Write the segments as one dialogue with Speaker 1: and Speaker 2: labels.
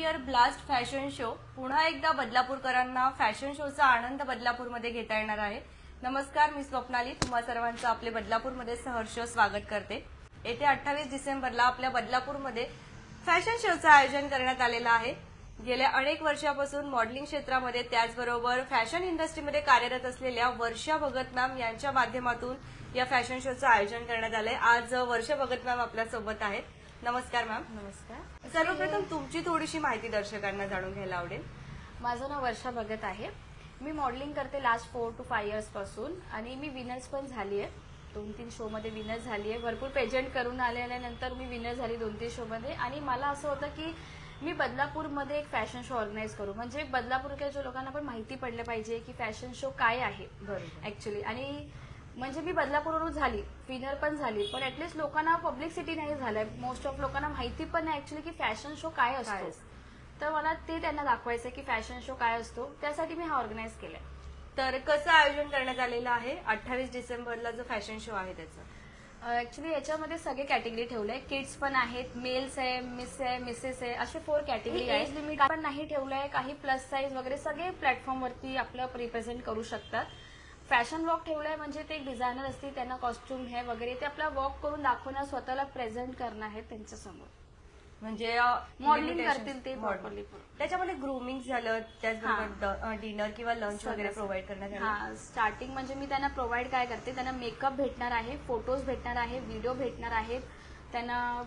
Speaker 1: Year blast fashion show पुन्हा एकदा बदलापूरकरांना fashion शोचा आनंद बदलापूरमध्ये घेता येणार आहे। नमस्कार, मी स्वप्नाली तुम्हा सर्वांचं आपले बदलापूरमध्ये सहर्ष स्वागत करते। येथे 28 डिसेंबरला आपल्या बदलापूरमध्ये फॅशन शोचं आयोजन करण्यात आलेलं आहे। गेल्या अनेक वर्षापासून मॉडेलिंग क्षेत्रामध्ये त्याचबरोबर फॅशन इंडस्ट्रीमध्ये कार्यरत असलेल्या वर्षा भगत मॅम यांच्या माध्यमातून या फॅशन शोचं आयोजन करण्यात आलंय। आज वर्षा भगत मॅम आपल्या सोबत आहेत। नमस्कार मॅम।
Speaker 2: नमस्कार।
Speaker 1: सर्वप्रथम तुमची थोडीशी माहिती दर्शकांना जाणून घ्यायला आवडेल।
Speaker 2: माझं नाव वर्षा भगत आहे। मी मॉडेलिंग करते लास्ट 4 to 5 इयर्स पासून आणि मी विनर्स पण झाली आहे। 2-3 शो मध्ये विनर झाली आहे। भरपूर पेजेंट करून आल्यानंतर मी विनर झाली 2-3 शो मध्ये आणि मला असं होतं की मी बदलापूरमध्ये एक फॅशन शो ऑर्गनाईज करू, म्हणजे बदलापूरच्या लोकांना पण माहिती पडलं पाहिजे की फॅशन शो काय आहे ऍक्च्युली। आणि म्हणजे मी बदलापूरवरून झाली, विनर पण झाली, पण ऍटलीस्ट लोकांना पब्लिसिटी नाही झालंय। मोस्ट ऑफ लोकांना माहिती पण नाही ऍक्च्युली की फॅशन शो काय असतो। तर मला ते त्यांना दाखवायचं की फॅशन शो काय असतो, त्यासाठी मी हा ऑर्गनाईज केलाय।
Speaker 1: तर कसं आयोजन करण्यात आलेलं आहे 28 डिसेंबरला जो फॅशन शो आहे त्याचं?
Speaker 2: ऍक्च्युली याच्यामध्ये सगळे कॅटेगरी ठेवलंय। किड्स पण आहेत, मेल्स आहे, मिस आहे, मिसेस आहे, असे 4 कॅटेगरी आहे। लिमिट पण नाही ठेवलंय, काही प्लस साईज वगैरे सगळे प्लॅटफॉर्म वरती आपलं रिप्रेझेंट करू शकतात। फॅशन वॉक ठेवलाय, म्हणजे ते एक डिझायनर असतील त्यांना कॉस्ट्युम हे वगैरे ते आपला वॉक करून दाखवणं, स्वतःला प्रेझेंट करणं आहे त्यांच्या समोर,
Speaker 1: म्हणजे
Speaker 2: मॉडेलिंग करतील ते प्रॉपरली।
Speaker 1: त्याच्यामध्ये ग्रूमिंग झालं, त्याचबरोबर डिनर किंवा लंच वगैरे प्रोव्हाइड करण्यात आलं।
Speaker 2: हा, स्टार्टिंग म्हणजे मी त्यांना प्रोव्हाइड काय करते, त्यांना मेकअप भेटणार आहे, फोटोज भेटणार आहे, व्हिडिओ भेटणार आहेत, त्यांना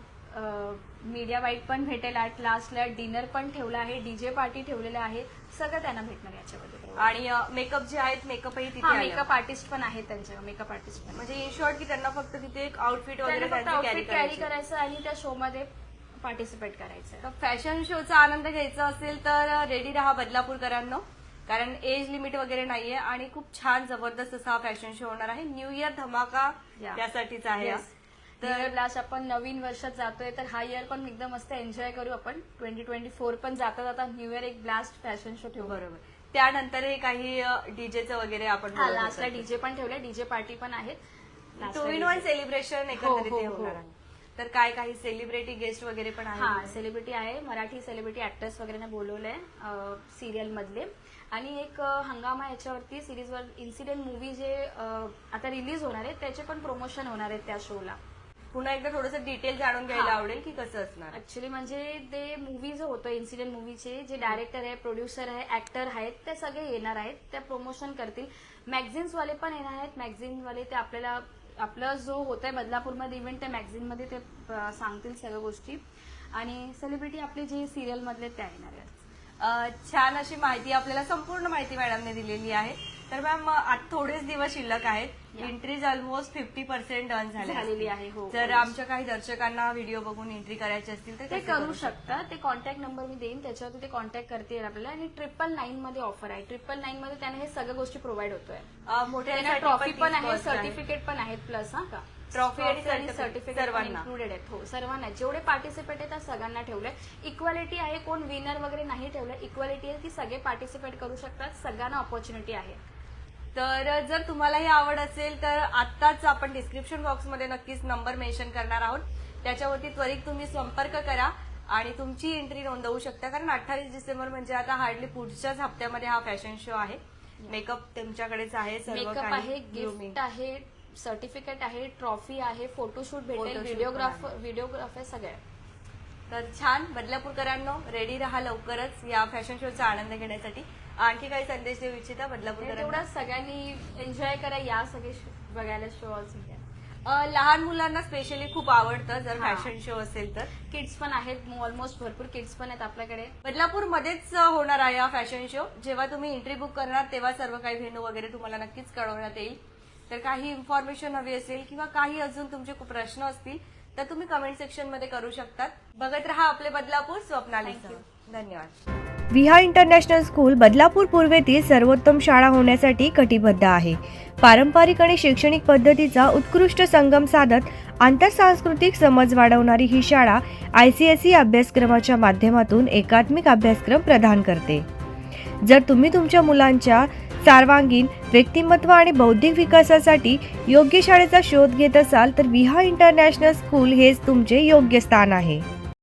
Speaker 2: मीडिया वाईट पण भेटेल। लास्टला डिनर पण ठेवला आहे, डीजे पार्टी ठेवलेलं आहे, सगळं त्यांना भेटणार याच्यामध्ये।
Speaker 1: आणि मेकअप जे आहेत, मेकअपही तिथे आहे।
Speaker 2: मेकअप आर्टिस्ट पण आहेत त्यांच्या, मेकअप आर्टिस्ट पण,
Speaker 1: म्हणजे इन शॉर्ट की त्यांना फक्त तिथे एक आउटफिट वगैरे
Speaker 2: कॅरी करायचं आणि त्या शो मध्ये पार्टिसिपेट करायचं।
Speaker 1: तर फॅशन शोचा आनंद घ्यायचा असेल तर रेडी राहा बदलापूरकरांनो, कारण एज लिमिट वगैरे नाहीये आणि खूप छान जबरदस्त असा फॅशन शो होणार आहे। न्यू इयर धमाका त्यासाठीच आहे।
Speaker 2: तर लास्ट आपण नवीन वर्षात जातोय, तर हा इयर पण एकदम मस्त एन्जॉय करू आपण। 2024 पण जाता जाता न्यू इयर एक ब्लास्ट फॅशन शो ठेवू।
Speaker 1: बरोबर, त्यानंतरही काही डीजेचं वगैरे आपण
Speaker 2: लास्टला डीजे पण ठेवले, डीजे पार्टी पण आहेत।
Speaker 1: 2-in-1 सेलिब्रेशन एकंदरीत होणार आहे। तर काय काही सेलिब्रिटी गेस्ट वगैरे पण आहे?
Speaker 2: हा, सेलिब्रिटी आहे, मराठी सेलिब्रिटी ऍक्टर्स वगैरे बोलवलंय सिरियल मधले। आणि एक हंगामा याच्यावरती सिरीजवर इन्सिडेंट मूवी जे आता रिलीज होणार आहे त्याचे पण प्रमोशन होणार आहे त्या शोला।
Speaker 1: पुन्हा एकदा थोडंसं डिटेल जाणून घ्यायला आवडेल की कसं असणार
Speaker 2: ऍक्च्युली। म्हणजे ते मूवी जो होतो इन्सिडेंट मूवीचे जे डायरेक्टर आहे, प्रोड्युसर आहे, ऍक्टर आहेत, ते सगळे येणार आहेत, ते प्रमोशन करतील। मॅगझिन्स वाले पण येणार आहेत। मॅगझिन वाले ते आपल्याला आपलं जो होतंय बदलापूरमध्ये इव्हेंट, त्या मॅगझिन मध्ये ते सांगतील सगळ्या गोष्टी। आणि सेलिब्रिटी आपले जे सिरियल मधले ते येणार आहेत।
Speaker 1: छान अशी माहिती, आपल्याला संपूर्ण माहिती मॅडमने दिलेली आहे। तर मॅम आता थोडेच दिवस शिल्लक आहेत, एंट्रीज ऑलमोस्ट 50% डन झालेली आहे। जर आमच्या काही दर्शकांना व्हिडिओ बघून एंट्री करायची असतील तर
Speaker 2: ते करू शकतात। ते कॉन्टॅक्ट नंबर मी देईन, त्याच्यावरती ते कॉन्टॅक्ट करतील आपल्याला। आणि 999 मध्ये ऑफर आहे। 999 मध्ये त्यांना हे सगळ्या गोष्टी प्रोव्हाइड होतोय।
Speaker 1: मोठ्या
Speaker 2: ट्रॉफी पण आहे, सर्टिफिकेट पण आहेत प्लस। हा का,
Speaker 1: ट्रॉफी आणि
Speaker 2: सर्टिफिकेट इन्क्लुडेड आहेत। हो, सर्वांना जेवढे पार्टिसिपेट आहेत त्या सगळ्यांना ठेवलंय। इक्वालिटी आहे, कोण विनर वगैरे नाही ठेवलंय। इक्वालिटी आहे की सगळे पार्टिसिपेट करू शकतात, सगळ्यांना ऑपॉर्च्युनिटी आहे।
Speaker 1: तर जर तुम्हाला ही आवड असेल तर आत्ताच आपण डिस्क्रिप्शन बॉक्समध्ये नक्कीच नंबर मेन्शन करणार आहोत, त्याच्यावरती त्वरित तुम्ही संपर्क करा आणि तुमची एंट्री नोंदवू शकता। कारण 28 डिसेंबर म्हणजे आता हार्डली पुढच्याच हप्त्यामध्ये हा फॅशन शो आहे। मेकअप तुमच्याकडेच आहे,
Speaker 2: मेकअप आहे, गिफ्ट आहे, सर्टिफिकेट आहे, ट्रॉफी आहे, फोटोशूट भेटेल, व्हिडिओग्राफर सगळे।
Speaker 1: तर छान, बदलापूरकरांनो रेडी राहा लवकरच या फॅशन शोचा आनंद घेण्यासाठी। आणखी काही संदेश देऊ इच्छिता बदलापूरकरांना?
Speaker 2: तेवढा सगळ्यांनी एन्जॉय करा, या सगळे बघायला शो।
Speaker 1: लहान मुलांना स्पेशली खूप आवडतं जर फॅशन शो असेल तर।
Speaker 2: किड्स पण आहेत, ऑलमोस्ट भरपूर किड्स पण आहेत आपल्याकडे।
Speaker 1: बदलापूरमध्येच होणार आहे हा फॅशन शो। जेव्हा तुम्ही एंट्री बुक करणार तेव्हा सर्व काही व्हेन्यू वगैरे तुम्हाला नक्कीच कळवण्यात येईल। तर काही इन्फॉर्मेशन हवी असेल किंवा काही अजून तुमचे खूप प्रश्न असतील तर तुम्ही कमेंट सेक्शन मध्ये करू शकतात। बघत रहा आपले बदलापूर, स्वप्नाली। धन्यवाद।
Speaker 3: विहा इंटरनॅशनल स्कूल बदलापूर पूर्वेतील सर्वोत्तम शाळा होण्यासाठी कटिबद्ध आहे। पारंपरिक आणि शैक्षणिक पद्धतीचा उत्कृष्ट संगम साधत आंतरसांस्कृतिक समज वाढवणारी ही शाळा ICSE अभ्यासक्रमाच्या माध्यमातून एकात्मिक अभ्यासक्रम प्रदान करते। जर तुम्ही तुमच्या मुलांच्या सर्वांगीण व्यक्तिमत्व आणि बौद्धिक विकासासाठी योग्य शाळेचा शोध घेत असाल तर विहा इंटरनॅशनल स्कूल हेच तुमचे योग्य स्थान आहे।